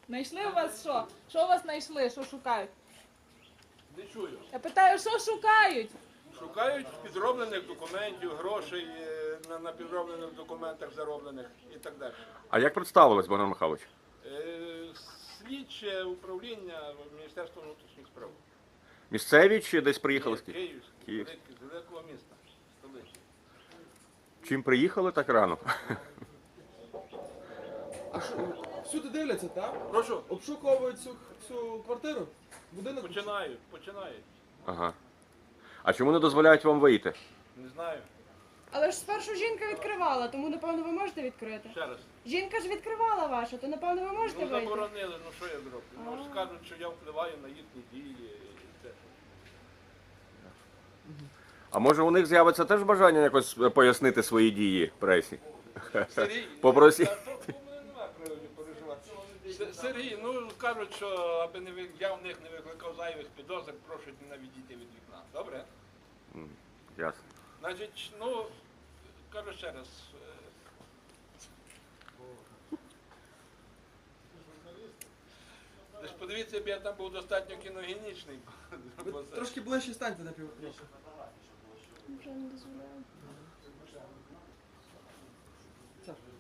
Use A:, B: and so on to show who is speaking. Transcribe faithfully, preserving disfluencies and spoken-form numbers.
A: Знайшли у вас що? Що у вас знайшли? Що шукають?
B: Не чую.
A: Я питаю, що шукають?
B: Шукають підроблених документів, грошей е, на, на підроблених документах зароблених і так далі.
C: А як представились, Богдан Михайлович?
B: Е, Слідче управління Міністерства внутрішніх справ.
C: Місцеві чи десь приїхали з Києва?
B: Київське,
C: Київ.
B: велике, з великого міста, столиці.
C: Чим приїхали так рано?
D: А що, всюди дивляться, так?
B: Прошу,
D: Обшуковують цю, цю квартиру? Будинок?
B: починають, починають.
C: Ага. А чому не дозволяють вам вийти?
B: Не знаю.
E: Але ж спершу жінка відкривала, тому напевно ви можете відкрити.
B: Ще раз.
E: Жінка ж відкривала ваша, то напевно ви можете
B: Ну
E: вийти.
B: заборонили, ну що я зроблю? Ну скажуть, що я впливаю на їхні дії. і це.
C: А може у них з'явиться теж бажання якось пояснити свої дії пресі?
B: Сергій,
C: Попросіть.
B: та то в мене немає приводу переживати. С- Сергій, ну кажуть, що аби не ви- я в них не викликав зайвих підозр, прошу не відійти від вікна. Добре?
C: Ясно.
B: Значить, ну, кажу ще раз. е, Лиш подивіться, якби я там був достатньо кіногенічний.
D: Ви
B: бо це-
D: трошки ближче станьте на півроку.
E: Вже не дозволяю.
D: Саш,